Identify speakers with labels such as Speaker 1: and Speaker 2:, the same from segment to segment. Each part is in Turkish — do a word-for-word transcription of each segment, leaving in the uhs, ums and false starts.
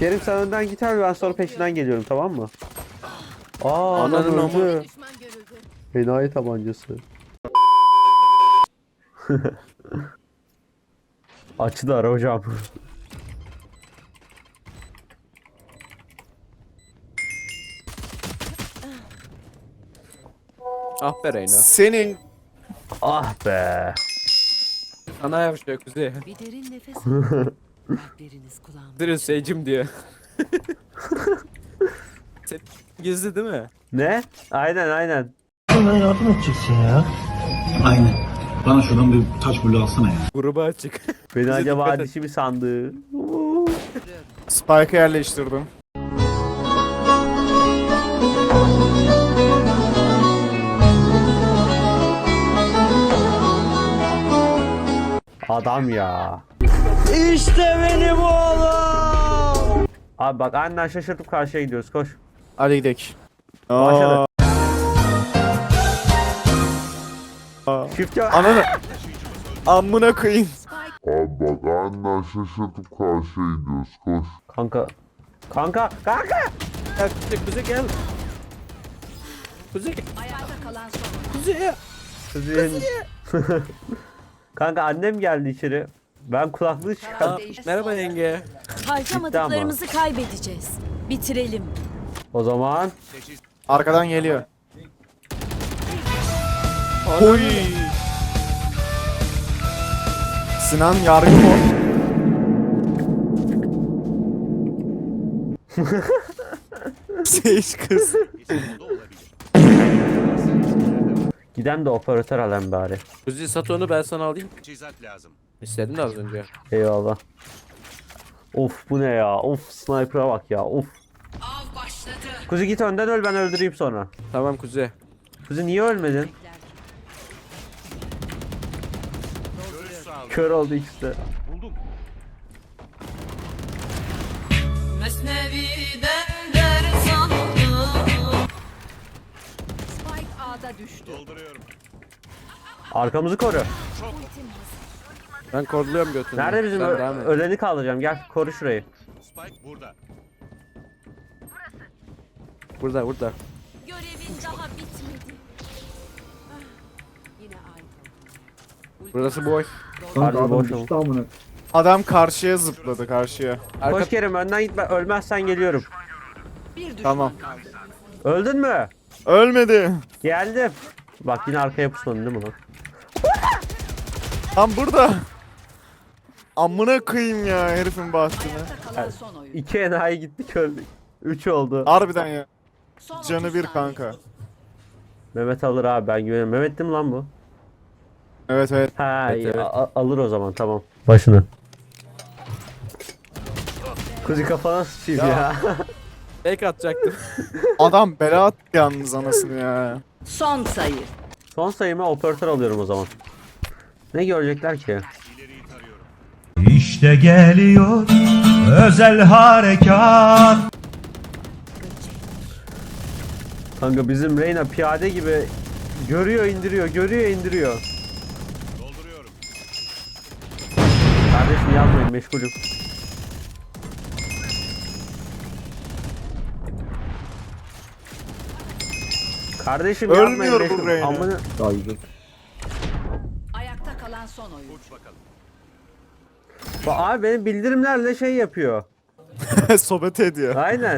Speaker 1: Kerim sen önden git abi, ben sonra peşinden geliyorum, tamam mı? Aa, adam
Speaker 2: Ananın
Speaker 1: öldü. Enayi tabancası. Açıdı ara hocam.
Speaker 2: Ah be Reyna.
Speaker 3: Senin
Speaker 1: Ah be.
Speaker 2: Sana yavşıyor Kuzey.
Speaker 4: Bir derin nefes alın. Kalpleriniz kulağımda.
Speaker 2: Dırın seycim diyor. Sen gizli değil mi?
Speaker 1: Ne? Aynen aynen.
Speaker 5: Bana yardım edeceksin ya.
Speaker 6: Aynen. Bana şuradan bir taş bulu alsana ya.
Speaker 2: Gruba açık.
Speaker 1: Beni
Speaker 2: Bize
Speaker 1: acaba
Speaker 2: dikkat et.
Speaker 1: dişi mi sandı?
Speaker 3: Spike'ı yerleştirdim.
Speaker 1: Adam ya. İşte benim oğlum. Abi bak annen şaşırtıp karşıya gidiyoruz, koş.
Speaker 3: Hadi gidelim.
Speaker 1: Başladı.
Speaker 3: Aa.
Speaker 1: Çift yok.
Speaker 3: Ananı. Amına koyayım.
Speaker 7: Abi bak annen şaşırtıp karşıya gidiyoruz, koş.
Speaker 1: Kanka. Kanka. Kanka.
Speaker 2: Gel Kuzey, Kuzey gel. Kuzey.
Speaker 4: Ayakta kalan son.
Speaker 2: Kuzey.
Speaker 1: Kızın. Kanka annem geldi içeri. Ben kulaklığı çıkardım.
Speaker 2: Aa, merhaba yenge.
Speaker 4: Harcamadıklarımızı kaybedeceğiz. Bitirelim.
Speaker 1: O zaman
Speaker 3: Arkadan geliyor. Oy. Sinan yargı mı? Seyş kız.
Speaker 1: giden de operatör alayım bari.
Speaker 2: Kuzey sat onu, ben sana alayım.
Speaker 8: Teçhizat lazım.
Speaker 2: İstedin de az önce.
Speaker 1: Eyvallah. Of bu ne ya? Of sniper'a bak ya. Of.
Speaker 4: Av başladı.
Speaker 1: Kuzi git önden öl, ben öldüreyim sonra.
Speaker 2: Tamam Kuzey.
Speaker 1: Kuzi niye ölmedin?
Speaker 8: Görüş sağlık.
Speaker 1: Kör oldu ikisi de.
Speaker 8: Buldum.
Speaker 4: Spike A'da düştü.
Speaker 8: Dolduruyorum.
Speaker 1: Arkamızı koru.
Speaker 2: Ben korluyorum götünü.
Speaker 1: Nerede bizim
Speaker 2: Sen
Speaker 1: ö-
Speaker 2: devam et.
Speaker 1: öleni kaldıracağım. Gel koru şurayı.
Speaker 8: Spike burada.
Speaker 2: Burada burada.
Speaker 4: Görevin daha bitmedi. Ah, yine aynı.
Speaker 2: Burası boş.
Speaker 1: Harbi boş ol.
Speaker 3: Adam karşıya zıpladı karşıya.
Speaker 2: Arka...
Speaker 1: Koş Kerim önden gitme. Ölmezsen geliyorum.
Speaker 4: Bir düşman
Speaker 3: Tamam.
Speaker 4: kaldı.
Speaker 1: Öldün mü?
Speaker 3: Ölmedi.
Speaker 1: Geldim. Bak yine arkaya pusmadın değil mi lan?
Speaker 3: Tam burada. Amına koyayım ya herifin bahtını.
Speaker 4: Ayakta kalan son oyun.
Speaker 1: İki enayi gittik öldük. Üç oldu.
Speaker 3: Harbiden ya.
Speaker 4: Son
Speaker 3: Canı
Speaker 4: otuz
Speaker 3: bir
Speaker 4: saniye.
Speaker 3: kanka.
Speaker 1: Mehmet alır abi, ben güveniyorum. Mehmet değil mi lan bu?
Speaker 3: Evet evet.
Speaker 1: Ha
Speaker 2: Evet,
Speaker 1: iyi,
Speaker 2: evet.
Speaker 1: a- alır o zaman, tamam. Başını. Kuzi kafana sıçayım ya.
Speaker 3: Ya.
Speaker 2: Fake atacaktım.
Speaker 3: Adam bela attı yalnız anasını ya.
Speaker 4: Son sayı.
Speaker 1: Son sayıma operatör alıyorum o zaman. Ne görecekler ki?
Speaker 8: İleriyi tarıyorum.
Speaker 5: İşte geliyor özel harekat.
Speaker 1: Kanka bizim Reyna piyade gibi görüyor indiriyor, görüyor indiriyor.
Speaker 8: Dolduruyorum.
Speaker 1: Kardeşim yazmayın, meşgulüm. Kardeşim yapmayın,
Speaker 3: Ölmüyor bu
Speaker 1: meşgulüm.
Speaker 3: Reyna.
Speaker 1: Amına...
Speaker 4: Ayakta kalan son oyun.
Speaker 8: Uç bakalım.
Speaker 1: Bak abi benim bildirimlerle şey yapıyor.
Speaker 3: Sohbet ediyor.
Speaker 1: Aynen.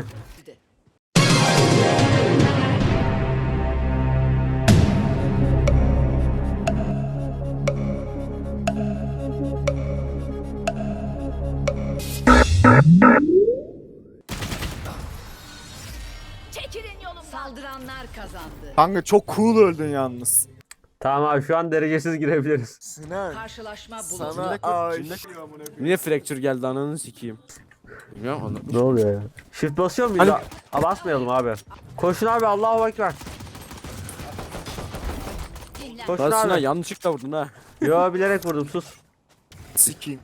Speaker 4: Çekilin yolumdan. Saldıranlar kazandı.
Speaker 3: Kanka çok cool öldün yalnız.
Speaker 1: Tamam abi şu an derecesiz girebiliriz.
Speaker 3: Sinan.
Speaker 4: Karşılaşma
Speaker 3: Sana
Speaker 4: bulundu.
Speaker 3: aşığım.
Speaker 2: Niye fracture geldi ananı sikeyim. Bilmiyorum onu.
Speaker 1: Ne oluyor ya? Shift basıyor muyuz?
Speaker 2: Hani-
Speaker 1: Aa, basmayalım abi. Koşun abi, Allahu Ekber.
Speaker 4: Dinlen.
Speaker 1: Koşun
Speaker 2: Lan Sinan
Speaker 1: abi.
Speaker 2: yanlışlıkla vurdun ha.
Speaker 1: Yo bilerek vurdum, sus.
Speaker 3: Sikiyim.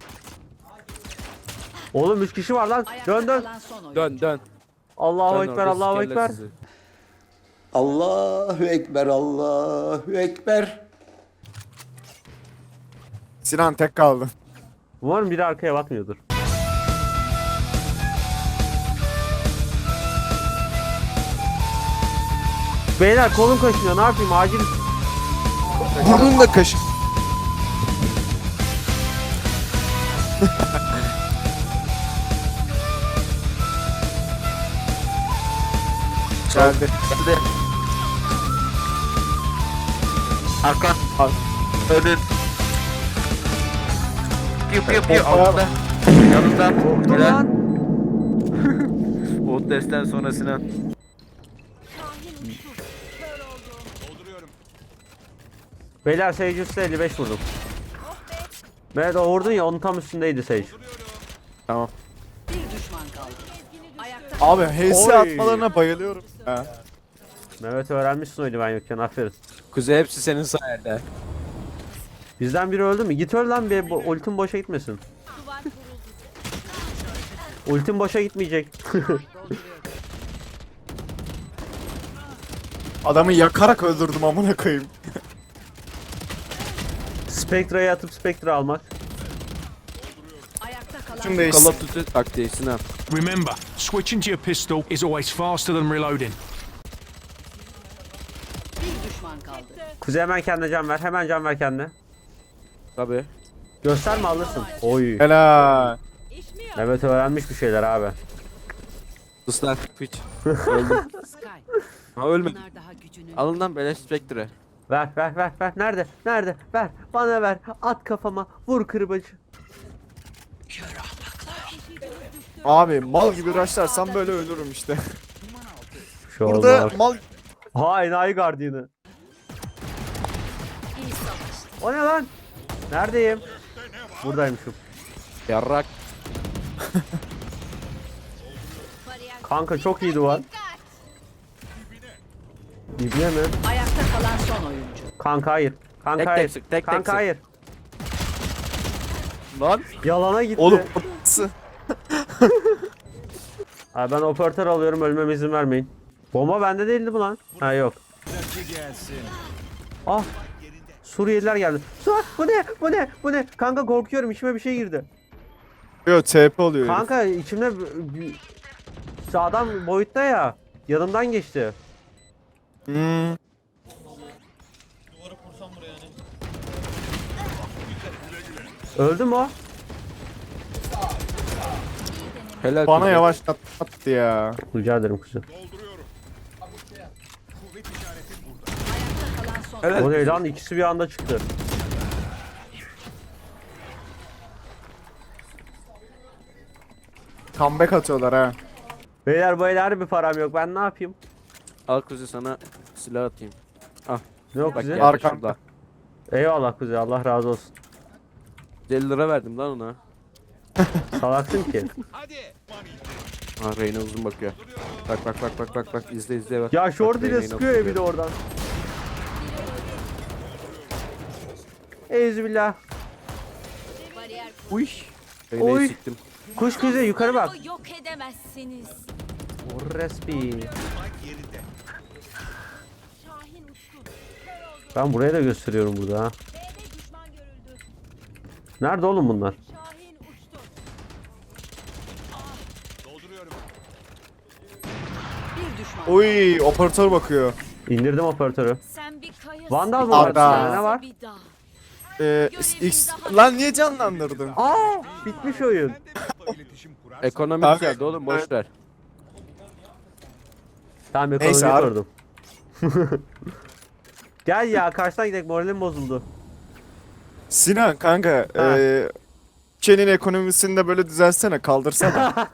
Speaker 1: Oğlum üç kişi var lan.
Speaker 4: Ayakta
Speaker 1: Dön dön.
Speaker 4: kalan son oyun.
Speaker 2: Dön dön.
Speaker 1: Allahu
Speaker 2: Dön
Speaker 1: Ekber,
Speaker 2: orada
Speaker 1: Allahu
Speaker 2: sikerler
Speaker 1: Ekber.
Speaker 2: sizi.
Speaker 9: Allahu Ekber, Allahu Ekber.
Speaker 3: Sinan tek kaldı.
Speaker 1: Umarım biri arkaya bakmıyordur. Beyler kolum kaşınıyor, ne yapayım, acil.
Speaker 3: Burnun da kaşı. Geldi.
Speaker 2: Arka. Önün. Piu piu piu
Speaker 3: Hoppa.
Speaker 2: altında. Yanında.
Speaker 1: Korktum
Speaker 2: Helal.
Speaker 1: lan.
Speaker 2: O testten sonra Sinan.
Speaker 8: Dolduruyorum.
Speaker 1: Beyler Sage üstü elli beş vurdum. Evet o vurdun ya, onun tam üstündeydi Sage.
Speaker 2: Tamam.
Speaker 4: Bir düşman kaldı. Ayakta
Speaker 3: Abi H S
Speaker 1: Oy.
Speaker 3: atmalarına bayılıyorum. Ha.
Speaker 1: Mehmet öğrenmişsin oyunu ben yokken, aferin.
Speaker 2: Kuzey hepsi senin sayende.
Speaker 1: Bizden biri öldü mü? Git öl lan, bir bo- ultim boşa gitmesin. Ultim boşa gitmeyecek.
Speaker 3: Adamı yakarak öldürdüm amına koyayım.
Speaker 1: Spectre'yi atıp Spectre almak.
Speaker 4: ayakta kalan
Speaker 3: Tüm
Speaker 2: Call
Speaker 3: değişsin.
Speaker 2: of Duty taktiği Sinan.
Speaker 10: Remember, switching to your pistol is always faster than reloading.
Speaker 4: bir düşman kaldı.
Speaker 1: Kuzey hemen kendine can ver. Hemen can ver kendine.
Speaker 2: Tabii.
Speaker 1: Gösterme, alırsın. Oy.
Speaker 3: Helal.
Speaker 1: Mehmet öğrenmiş bir şeyler abi.
Speaker 2: Sus lan piç. Öldüm.
Speaker 4: Sky.
Speaker 2: Ha ölmedim.
Speaker 4: Bunlar daha gücünü.
Speaker 2: Alın lan beleş Spectre.
Speaker 1: Ver ver ver ver. Nerede? Nerede? Ver. Bana ver. At kafama. Vur kırbacı.
Speaker 3: Abi mal gibi rushlarsam böyle ölürüm işte.
Speaker 1: Şu
Speaker 3: Burada
Speaker 1: oldu.
Speaker 3: mal
Speaker 1: Ha enayi gardiyanı. O ne lan? Neredeyim? Buradaymışım.
Speaker 2: Yarrak.
Speaker 1: Kanka çok iyi duvar. İbne mi?
Speaker 4: Ayakta kalan son oyuncu.
Speaker 1: Kanka hayır. Kanka
Speaker 2: Tek tek
Speaker 1: hayır.
Speaker 2: sık, tek tek
Speaker 1: Kanka
Speaker 2: sık.
Speaker 1: hayır.
Speaker 2: Lan.
Speaker 1: Yalana gitti.
Speaker 3: oğlum nasıl?
Speaker 1: Abi ben operatör alıyorum, ölmeme izin vermeyin. Bomba bende değildi bu lan. Ha yok. Ah. Suriyeliler geldi. Su bu ne? Bu ne? Bu ne? Kanka korkuyorum, içime bir şey girdi.
Speaker 3: Yo T P oluyor. herif.
Speaker 1: Kanka içimde b- b- sağdan boyutta ya. Yanımdan geçti.
Speaker 3: Hmm.
Speaker 1: Öldü mü o?
Speaker 2: Helal
Speaker 3: Bana
Speaker 2: Kuzey.
Speaker 3: yavaşlattı ya.
Speaker 1: Rica ederim kuzum.
Speaker 8: Dolduruyorum. Kuvvet işareti burada.
Speaker 4: Ayakta kalan son
Speaker 2: Helal.
Speaker 1: O ne lan? İkisi bir anda çıktı.
Speaker 3: Comeback atıyorlar ha.
Speaker 1: Beyler beyler bir param yok. Ben ne yapayım?
Speaker 2: Al Kuzey sana silah atayım.
Speaker 1: Ne yok
Speaker 2: Bak
Speaker 1: bize?
Speaker 2: geldi
Speaker 3: Arkamda.
Speaker 2: şurada.
Speaker 1: Eyvallah kuzey. Allah razı olsun.
Speaker 2: elli lira verdim lan ona.
Speaker 1: Salaksın ki.
Speaker 8: Hadi.
Speaker 2: Ha Reyna uzun bakıyor. Bak bak bak bak bak bak izle izle bak.
Speaker 1: Ya
Speaker 2: Bak,
Speaker 1: short ile
Speaker 2: Reyna'yı
Speaker 1: sıkıyor
Speaker 2: nasıl
Speaker 1: ya bir de oradan. Eyüzübillah.
Speaker 2: Uy. Reyna'yı
Speaker 1: Oy.
Speaker 2: siktim.
Speaker 1: Kuş kuzey yukarı bak.
Speaker 4: yok edemezsiniz.
Speaker 1: Respi.
Speaker 8: Yerinde.
Speaker 1: Ben buraya da gösteriyorum burada ha. Nerede oğlum bunlar?
Speaker 8: Dolduruyorum.
Speaker 4: Bir düşman.
Speaker 3: Oy operatör bakıyor.
Speaker 1: İndirdim operatörü.
Speaker 4: Sen bir kayasın.
Speaker 1: Vandal mı var?
Speaker 3: Arda.
Speaker 1: Bir tane ne var?
Speaker 4: Bir dağ.
Speaker 3: Ee, X... Lan niye canlandırdın?
Speaker 1: Aa, bitmiş oyun.
Speaker 8: İletişim kurar.
Speaker 2: Ekonomik
Speaker 3: Abi-
Speaker 2: geldi oğlum boş ver.
Speaker 1: Tamam
Speaker 3: Neyse
Speaker 1: ekonomiyi
Speaker 3: abi.
Speaker 1: kurdum. Gel ya karşıdan gidelim, moralim bozuldu.
Speaker 3: Sinan kanka
Speaker 1: Ha.
Speaker 3: ee, ülkenin ekonomisini de böyle düzelsene kaldırsana.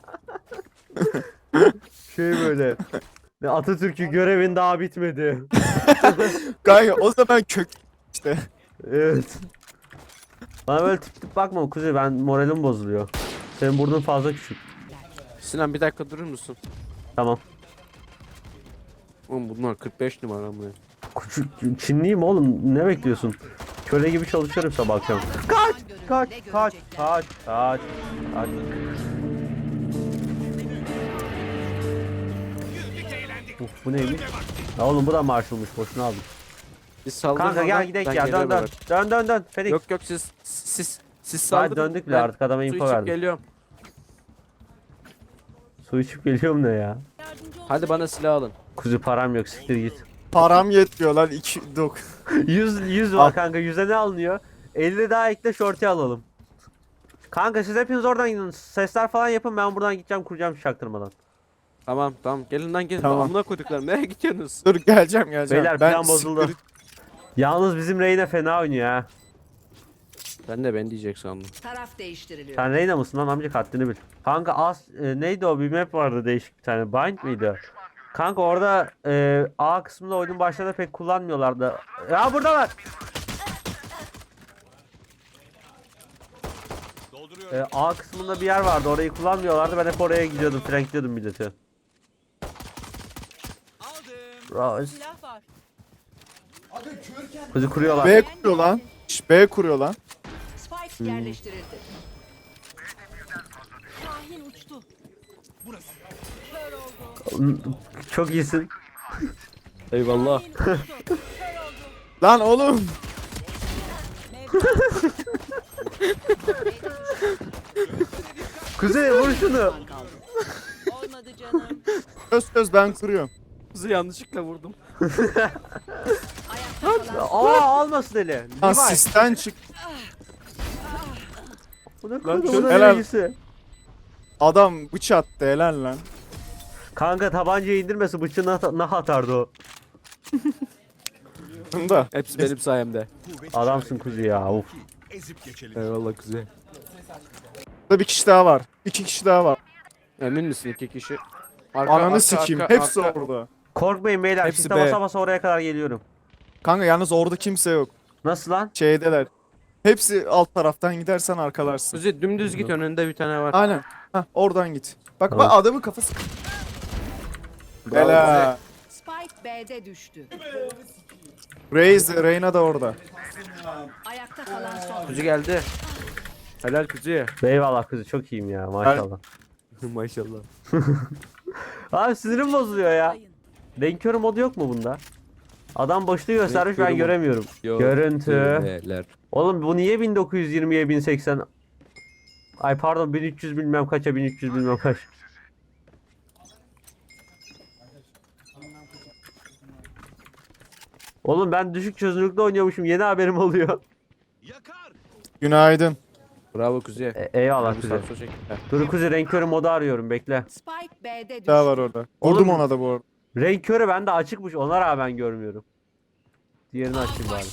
Speaker 1: Şey böyle. Ne Atatürk'ü görevin daha bitmedi.
Speaker 3: Kanka o zaman kök işte.
Speaker 1: Evet. Bana böyle tip tip bakma kuzey, ben moralim bozuluyor. Senin burnun fazla küçük.
Speaker 2: Sinan bir dakika durur musun?
Speaker 1: Tamam.
Speaker 2: Oğlum bunlar kırk beş numara mı?
Speaker 1: Küçük Çinliyim oğlum, ne bekliyorsun? Köle gibi çalışıyorum sabah akşam. Kaç! Kaç! Kaç! Kaç! Kaç! Kaç! Uf, bu neymiş? Ya oğlum bu da marşılmış, boşuna aldım.
Speaker 2: Biz saldırın.
Speaker 1: Kanka gel
Speaker 2: oradan,
Speaker 1: gidelim
Speaker 2: ben
Speaker 1: ya, dön
Speaker 2: geliyorum
Speaker 1: dön.
Speaker 2: hemen.
Speaker 1: Dön dön dön. Felix.
Speaker 2: Yok yok siz siz siz
Speaker 1: Ben
Speaker 2: saldırın.
Speaker 1: döndük bile
Speaker 2: Ben
Speaker 1: artık, adama
Speaker 2: su
Speaker 1: info
Speaker 2: içip
Speaker 1: verdim.
Speaker 2: geliyorum.
Speaker 1: Su içip geliyorum ne ya?
Speaker 2: Hadi bana silah alın.
Speaker 1: Kuzu param yok, siktir git.
Speaker 3: Param yetmiyor lan iki dok.
Speaker 1: yüz yüz
Speaker 3: Al.
Speaker 1: var kanka. yüze ne alınıyor? elli daha ekle short'u alalım. Kanka siz hepiniz oradan gidin. Sesler falan yapın. Ben buradan gideceğim kuracağım çaktırmadan.
Speaker 2: Tamam tamam gelin lan gelin.
Speaker 3: Tamam.
Speaker 2: Amına koyduklarım nereye gidiyorsunuz?
Speaker 3: Dur geleceğim geleceğim.
Speaker 1: Beyler
Speaker 3: Ben
Speaker 1: plan bozuldu.
Speaker 3: siktir-
Speaker 1: Yalnız bizim Reyna fena oynuyor ha.
Speaker 2: Ben de ben diyecek sandım.
Speaker 4: Taraf değiştiriliyor.
Speaker 1: Sen Reyna mısın lan amca haddini bil. Kanka as e, neydi o bir map vardı değişik bir tane. Bind miydi? Kanka orada e, A kısmında oyunun başlarında pek kullanmıyorlardı. Ya buradalar.
Speaker 8: Dolduruyorum.
Speaker 1: E, A kısmında bir yer vardı. Orayı kullanmıyorlardı. Ben hep oraya gidiyordum. Flankliyordum milleti.
Speaker 8: Aldım.
Speaker 1: Rose.
Speaker 4: Silah var.
Speaker 1: Kuzu kuruyorlar.
Speaker 3: B kuruyor lan. Şş, B kuruyor lan.
Speaker 4: Spike yerleştirildi. Şahin uçtu. Kör oldu.
Speaker 1: Çok iyisin.
Speaker 2: Eyvallah.
Speaker 4: Şahin uçtu. Kör oldu.
Speaker 3: Lan oğlum.
Speaker 1: Kuzey vur şunu.
Speaker 4: Kaldı. Olmadı canım.
Speaker 3: Söz söz ben kuruyorum.
Speaker 2: Kızı yanlışlıkla vurdum.
Speaker 4: Ayakta kalan
Speaker 1: Aa almasın eli.
Speaker 3: Lan
Speaker 1: Levi.
Speaker 3: sisten çık.
Speaker 1: Bu ne
Speaker 3: Lan
Speaker 1: kadar
Speaker 3: şu-
Speaker 1: bunun
Speaker 3: helal.
Speaker 1: ilgisi.
Speaker 3: Adam bıç attı helal lan.
Speaker 1: Kanka tabancayı indirmesi bıçağına at- nah atardı o.
Speaker 3: Bunda.
Speaker 2: Hepsi benim sayemde.
Speaker 8: Kuvvet
Speaker 1: Adamsın
Speaker 8: işareti.
Speaker 1: kuzu ya. Of.
Speaker 8: Ezip geçelim.
Speaker 2: Eyvallah kuzey.
Speaker 3: Burada bir kişi daha var. İki kişi daha var.
Speaker 2: Emin misin iki kişi? Arka,
Speaker 3: Ananı
Speaker 2: arka,
Speaker 3: sikeyim.
Speaker 2: arka,
Speaker 3: Hepsi
Speaker 2: arka.
Speaker 3: orada.
Speaker 1: Korkmayın beyler.
Speaker 3: Hepsi
Speaker 1: Hepsi
Speaker 3: B.
Speaker 1: basa basa oraya kadar geliyorum.
Speaker 3: Kanka yalnız orada kimse yok.
Speaker 1: Nasıl lan?
Speaker 3: Şeydeler. Hepsi alt taraftan gidersen arkalarsın.
Speaker 2: Kuzey dümdüz git önünde bir tane var.
Speaker 3: Aynen. Hah oradan git. Bak
Speaker 1: Tamam.
Speaker 3: bak adamın kafası.
Speaker 2: Bravo
Speaker 3: Helal.
Speaker 4: Spike B'de düştü.
Speaker 3: Raze, Reyna da orada.
Speaker 4: Ayakta kalan son.
Speaker 2: Kuzu geldi. Helal kuzuya.
Speaker 1: Eyvallah kuzu çok iyiyim ya maşallah.
Speaker 2: Maşallah.
Speaker 1: Abi sinirim bozuluyor ya. Renkör modu yok mu bunda? Adam boşluğu göstermiş ben
Speaker 2: Renkörü mod-
Speaker 1: göremiyorum.
Speaker 2: Yok.
Speaker 1: Görüntü.
Speaker 2: Neler.
Speaker 1: Oğlum bu niye bin dokuz yüz yirmiye bin seksen? Ay pardon bin üç yüz bilmem kaça bin üç yüz bilmem kaç. Oğlum ben düşük çözünürlükte oynuyormuşum yeni haberim oluyor.
Speaker 8: Yakar.
Speaker 3: Günaydın.
Speaker 2: Bravo kuzuya.
Speaker 1: E, eyvallah
Speaker 2: Abi
Speaker 1: kuzu.
Speaker 2: sağ sol çek. Heh.
Speaker 1: Dur kuzu renk körü modu arıyorum bekle.
Speaker 4: Spike B'de düştü.
Speaker 3: Daha var orada.
Speaker 1: Oğlum-
Speaker 3: Vurdum ona da bu arada.
Speaker 1: Renk körü bende açıkmış ona rağmen görmüyorum. Diğerini açayım bari.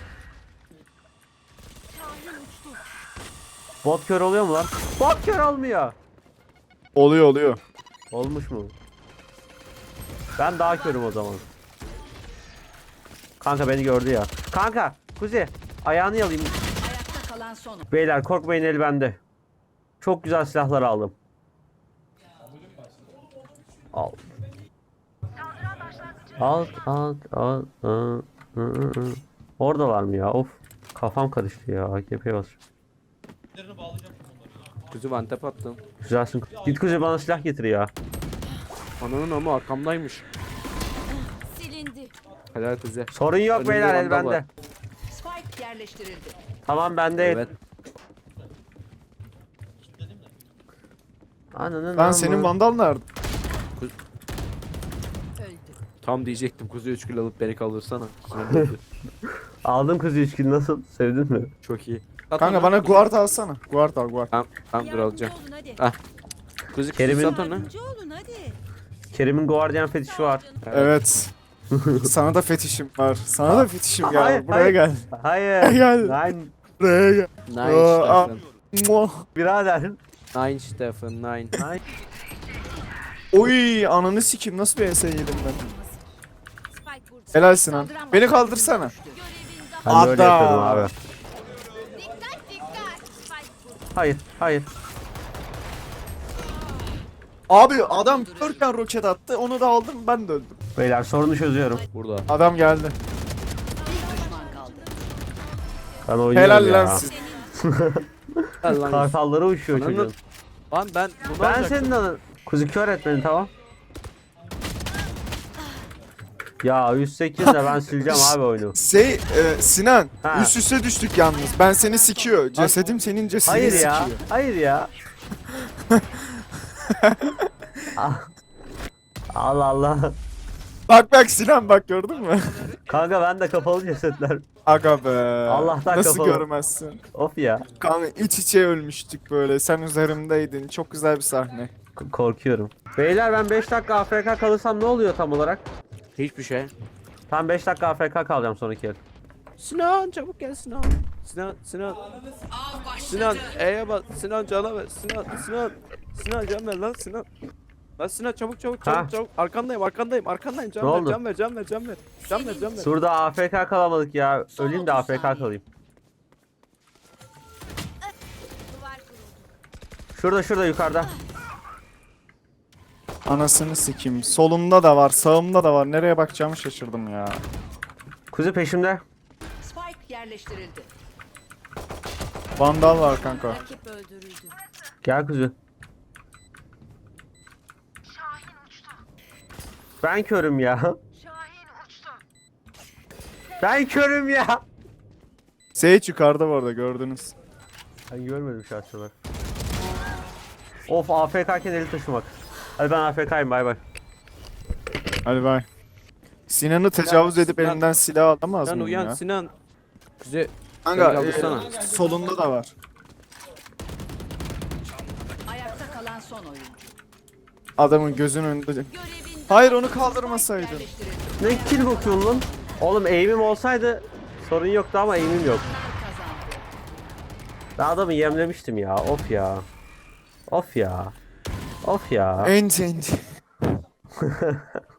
Speaker 1: Bot kör oluyor mu lan? Bot kör olmuyor.
Speaker 3: Oluyor oluyor.
Speaker 1: Olmuş mu? Ben daha körüm o zaman. Kanka beni gördü ya. Kanka Kuzi ayağını yalayayım.
Speaker 4: Ayakta kalan son.
Speaker 1: Beyler korkmayın el bende. Çok güzel silahlar aldım. Al. Alt alt alt. ı, ı, ı, ı. Oradalar mı ya? Of. Kafam karıştı ya. A K P basıyor.
Speaker 2: Kuzu vantep attım.
Speaker 1: Güzelsin. Git Kuzi bana silah getir ya.
Speaker 2: Ananın ama arkamdaymış.
Speaker 4: Silindi.
Speaker 2: Helal kuzu.
Speaker 1: Sorun yok
Speaker 2: Önümde
Speaker 1: beyler el
Speaker 2: vandal
Speaker 1: bende.
Speaker 2: var.
Speaker 4: Spike yerleştirildi.
Speaker 1: Tamam bende el.
Speaker 2: Evet.
Speaker 1: Ananın
Speaker 3: Lan
Speaker 1: amı.
Speaker 3: senin vandal nerede?
Speaker 4: Öldü.
Speaker 2: Tam diyecektim kuzu üç kilo alıp beni kaldırsana. Sinirli oldu.
Speaker 1: Aldım Kuzi üç kill nasıl? Sevdin mi?
Speaker 2: Çok iyi. At
Speaker 3: Kanka
Speaker 2: onu.
Speaker 3: bana guard alsana. Guard al guard.
Speaker 2: Tamam tamam dur alacağım.
Speaker 4: olun hadi.
Speaker 2: Ah. Kuzu
Speaker 1: Kerim'in-
Speaker 2: kuzu sat onu.
Speaker 4: olun hadi.
Speaker 1: Kerim'in Guardian fetişi var.
Speaker 3: Evet. Sana da fetişim var. Sana da fetişim gel.
Speaker 1: Hayır,
Speaker 3: Buraya
Speaker 1: hayır.
Speaker 3: gel.
Speaker 1: Hayır.
Speaker 3: Gel.
Speaker 1: Nine.
Speaker 3: Buraya gel.
Speaker 2: Nine
Speaker 3: Aa,
Speaker 2: Stefan.
Speaker 3: Muah.
Speaker 1: Birader.
Speaker 2: Nine Stefan nine.
Speaker 1: Nine.
Speaker 3: Oy ananı sikim nasıl bir S yedim ben.
Speaker 4: Spike burada.
Speaker 3: Helal Sinan. Beni kaldırsana.
Speaker 1: Ben de öyle
Speaker 3: Adam.
Speaker 1: yapıyordum abi.
Speaker 4: Dikkat dikkat. Spike burada.
Speaker 1: Hayır, hayır.
Speaker 3: Abi adam dörtten roket attı onu da aldım ben de öldüm.
Speaker 1: Beyler sorunu çözüyorum.
Speaker 2: Burada.
Speaker 3: Adam geldi.
Speaker 4: Bir düşman kaldı.
Speaker 1: Ben oynuyorum
Speaker 3: Helal
Speaker 1: ya.
Speaker 3: lan siz.
Speaker 2: Gel lan.
Speaker 1: Kartallara uçuyor
Speaker 2: Ananı-
Speaker 1: çocuğun.
Speaker 2: Lan ben bunu
Speaker 1: Ben
Speaker 2: alacaktım.
Speaker 1: senin anın. Kuzu kör et beni tamam. Ya yüz sekiz de ben sileceğim abi oyunu.
Speaker 3: Şey e, Sinan
Speaker 1: Ha.
Speaker 3: üst üste düştük yalnız. Ben seni sikiyor. Cesedim senin cesedini
Speaker 1: Hayır
Speaker 3: sikiyor.
Speaker 1: ya. Hayır ya. Ah. Allah Allah.
Speaker 3: Bak bak Sinan bak gördün mü?
Speaker 1: Kanka ben de kapalı cesetler.
Speaker 3: Aga be.
Speaker 1: Allah'tan
Speaker 3: Nasıl
Speaker 1: kapalı.
Speaker 3: görmezsin?
Speaker 1: Of ya.
Speaker 3: Kanka iç içe ölmüştük böyle. Sen üzerimdeydin. Çok güzel bir sahne.
Speaker 1: K- korkuyorum. Beyler ben beş dakika A F K kalırsam ne oluyor tam olarak?
Speaker 2: Hiçbir şey.
Speaker 1: Tam beş dakika A F K kalacağım sonraki el.
Speaker 2: Sinan çabuk gel Sinan. Sinan Sinan. Sinan E'ye bas. Sinan cana ver. Sinan Sinan. Sinan can ver lan Sinan. Lan Sinan çabuk çabuk
Speaker 1: Ha.
Speaker 2: çabuk çabuk. Arkandayım arkandayım arkandayım. Can
Speaker 1: Ne
Speaker 2: ver
Speaker 1: oldu?
Speaker 2: can ver can ver can ver. Can ver can ver.
Speaker 1: Şurada A F K kalamadık ya. Öleyim de A F K kalayım.
Speaker 4: Duvar kuruldu.
Speaker 1: Şurada şurada yukarıda.
Speaker 3: Anasını sikeyim. Solumda da var, sağımda da var. Nereye bakacağımı şaşırdım ya.
Speaker 1: Kuzu peşimde.
Speaker 4: Spike yerleştirildi.
Speaker 3: Vandal var kanka.
Speaker 4: Rakip öldürüldü.
Speaker 1: Gel kuzu. Ben körüm ya. Ben körüm ya.
Speaker 3: Sage yukarıda bu arada gördünüz.
Speaker 1: Ben görmedim şahsen. Of A F K'ken eli taşımak. Hadi ben A F K'yim bay bay.
Speaker 3: Hadi bay. Sinan'ı tecavüz edip
Speaker 2: Sinan-
Speaker 3: elinden silah alamaz
Speaker 2: Sinan
Speaker 3: mıyım
Speaker 2: uyan
Speaker 3: ya?
Speaker 2: Sinan. Kuzey.
Speaker 3: Kanka
Speaker 2: Beni kaldırsana.
Speaker 3: e, solunda da var.
Speaker 4: Ayakta kalan son oyuncu.
Speaker 3: Adamın gözünün önünde.
Speaker 4: Görevin
Speaker 3: Hayır onu kaldırmasaydın.
Speaker 4: yerleştirildi.
Speaker 1: Ne kill bakıyorsun lan? Oğlum aim'im olsaydı sorun yoktu ama aim'im yok.
Speaker 4: Kazandı.
Speaker 1: Ben adamı yemlemiştim ya. Of ya. Of ya. Of ya.
Speaker 3: Ent ent.